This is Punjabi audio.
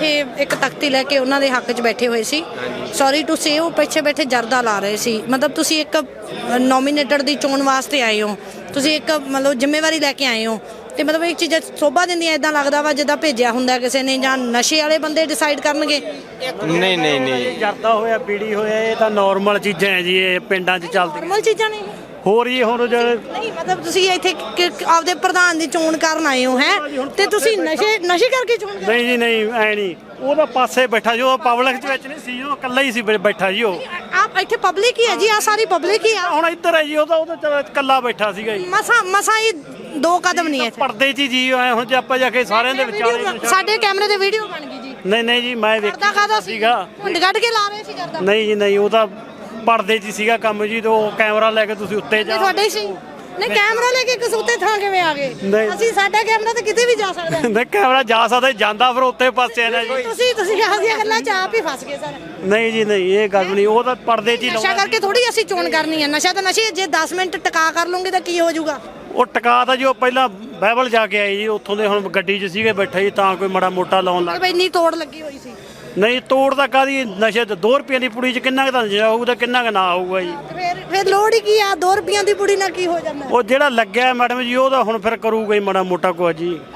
ਇੱਥੇ ਇੱਕ ਤਖਤੀ ਲੈ ਕੇ ਉਹਨਾਂ ਦੇ ਹੱਕ 'ਚ ਬੈਠੇ ਹੋਏ ਸੀ। ਸੌਰੀ ਟੂ ਸੇ ਉਹ ਪਿੱਛੇ ਬੈਠੇ ਜਰਦਾ ਲਾ ਰਹੇ ਸੀ। ਮਤਲਬ ਤੁਸੀਂ ਇੱਕ ਨੋਮੀਨੇਟਡ ਦੀ ਚੋਣ ਵਾਸਤੇ ਆਏ ਹੋ, ਤੁਸੀਂ ਇੱਕ ਮਤਲਬ ਜ਼ਿੰਮੇਵਾਰੀ ਲੈ ਕੇ ਆਏ ਹੋ ਤੇ ਮਤਲਬ ਇਹ ਚੀਜ਼ਾਂ ਸੋਭਾ ਦਿੰਦੀਆਂ। ਇਦਾਂ ਲੱਗਦਾ ਵਾ ਜਿੱਦਾਂ ਭੇਜਿਆ ਹੁੰਦਾ ਕਿਸੇ ਨੇ ਜਾਂ ਨਸ਼ੇ ਵਾਲੇ ਬੰਦੇ ਡਿਸਾਈਡ ਕਰਨਗੇ। ਨਹੀਂ ਨਹੀਂ ਨਹੀਂ, ਜਰਦਾ ਹੋਇਆ ਬੀੜੀ ਹੋਇਆ ਇਹ ਤਾਂ ਨਾਰਮਲ ਚੀਜ਼ਾਂ ਹੈ ਜੀ, ਇਹ ਪਿੰਡਾਂ 'ਚ ਚੱਲਦੀਆਂ ਨੋਰਮਲ ਚੀਜ਼ਾਂ ਨੇ ਹੋਰ ਜੀ। ਹੁਣ ਨਹੀਂ ਮਤਲਬ ਤੁਸੀਂ ਇੱਥੇ ਆਪਦੇ ਪ੍ਰਧਾਨ ਦੀ ਚੋਣ ਕਰਨ ਆਏ ਹੋ ਹੈ ਤੇ ਤੁਸੀਂ ਨਸ਼ੇ ਕਰਕੇ ਚੋਣ ਕਰ ਨਹੀਂ ਜੀ ਨਹੀਂ, ਐ ਨਹੀਂ, ਉਹ ਤਾਂ ਪਾਸੇ ਬੈਠਾ ਜੀ, ਉਹ ਪਬਲਿਕ ਦੇ ਵਿੱਚ ਨਹੀਂ ਸੀ, ਉਹ ਇਕੱਲਾ ਹੀ ਸੀ ਬੈਠਾ ਜੀ। ਉਹ ਆਪ ਇੱਥੇ ਪਬਲਿਕ ਹੀ ਹੈ ਜੀ, ਆ ਸਾਰੀ ਪਬਲਿਕ ਹੀ ਆ। ਹੁਣ ਇੱਧਰ ਹੈ ਜੀ, ਉਹ ਤਾਂ ਇਕੱਲਾ ਬੈਠਾ ਸੀਗਾ ਜੀ। ਮਸਾ ਹੀ 2 ਕਦਮ ਨਹੀਂ ਹੈ ਪਰਦੇ 'ਚ ਜੀ ਐ। ਹੁਣ ਜੇ ਆਪਾਂ ਜਾ ਕੇ ਸਾਰਿਆਂ ਦੇ ਵਿਚਾਲੇ ਸਾਡੇ ਕੈਮਰੇ ਤੇ ਵੀਡੀਓ ਬਣ ਗਈ ਜੀ। ਨਹੀਂ ਨਹੀਂ ਜੀ, ਮੈਂ ਵੇਖਦਾ ਸੀਗਾ। ਹੁੰਡ ਕੱਢ ਕੇ ਲਾ ਰਹੇ ਸੀ ਕਰਦਾ। ਨਹੀਂ ਜੀ ਨਹੀਂ, ਉਹ ਤਾਂ ਪਰਦੇ 'ਚ ਹੀ ਸੀਗਾ ਕੰਮ ਜੀ। ਤੇ ਉਹ ਕੈਮਰਾ ਲੈ ਕੇ ਤੁਸੀਂ ਉੱਤੇ ਜਾ ਤੁਹਾਡੇ ਹੀ ਸੀ। ਨਹੀਂ ਕੈਮਰਾ ਲੈ ਕੇ ਕਸੂਤੇ ਥਾਂ ਕਿਵੇਂ ਆ ਗਏ? ਨਹੀਂ। ਅਸੀਂ ਸਾਡਾ ਕੈਮਰਾ ਤਾਂ ਕਿਤੇ ਵੀ ਜਾ ਸਕਦਾ। ਨਹੀਂ ਕੈਮਰਾ ਜਾ ਸਕਦਾ, ਜਾਂਦਾ ਫਿਰ ਉੱਤੇ ਪਾਸੇ ਆ ਨਾ ਜੀ। ਤੁਸੀਂ ਆਹ ਗੱਲਾਂ ਚ ਆਪ ਹੀ ਫਸ ਗਏ ਸਰ। ਨਹੀਂ ਜੀ ਨਹੀਂ, ਇਹ ਗੱਲ ਨਹੀਂ, ਉਹ ਤਾਂ ਪਰਦੇ 'ਚ ਹੀ ਨਸ਼ਾ ਕਰਕੇ ਥੋੜੀ ਅਸੀਂ ਚੋਣ ਕਰਨੀ ਹੈ। ਨਸ਼ਾ ਤਾਂ ਨਸ਼ੇ, ਜੇ 10 ਮਿੰਟ ਟਿਕਾ ਕਰ ਲਓਗੇ ਤਾਂ ਕੀ ਹੋ ਜਾਊਗਾ? ਉਹ ਟਿਕਾ ਤਾਂ ਜੀ, ਉਹ ਪਹਿਲਾਂ ਬਾਈਬਲ ਜਾ ਕੇ ਆਏ ਜੀ, ਉੱਥੋਂ ਦੇ ਹੁਣ ਗੱਡੀ 'ਚ ਸੀਗੇ ਬੈਠੇ ਜੀ, ਤਾਂ ਕੋਈ ਮਾੜਾ ਮੋਟਾ ਲਾਉਣ ਲੱਗ ਬਈ ਇੰਨੀ ਤੋੜ ਲੱਗੀ ਹੋਈ ਸੀ। ਨਹੀਂ ਤੋੜ ਤਾਂ ਕਾਹਦੀ, ਨਸ਼ੇ ਤੇ 2 ਰੁਪਏ ਦੀ ਪੁੜੀ 'ਚ ਕਿੰਨਾ ਕੁ ਤਾਂ ਨਸ਼ਾ ਹੋਊਗਾ, ਕਿੰਨਾ ਕੁ ਨਾ ਹੋਊਗਾ ਜੀ। ਫਿਰ ਲੋੜ ਹੀ ਕੀ ਆ? 2 ਰੁਪਈਆਂ ਦੀ ਪੁੜੀ ਨਾਲ ਕੀ ਹੋ ਜਾਂਦਾ? ਉਹ ਜਿਹੜਾ ਲੱਗਿਆ ਮੈਡਮ ਜੀ, ਉਹ ਤਾਂ ਹੁਣ ਫਿਰ ਕਰੂਗਾ ਹੀ ਮਾੜਾ ਮੋਟਾ ਕੁਝ ਜੀ।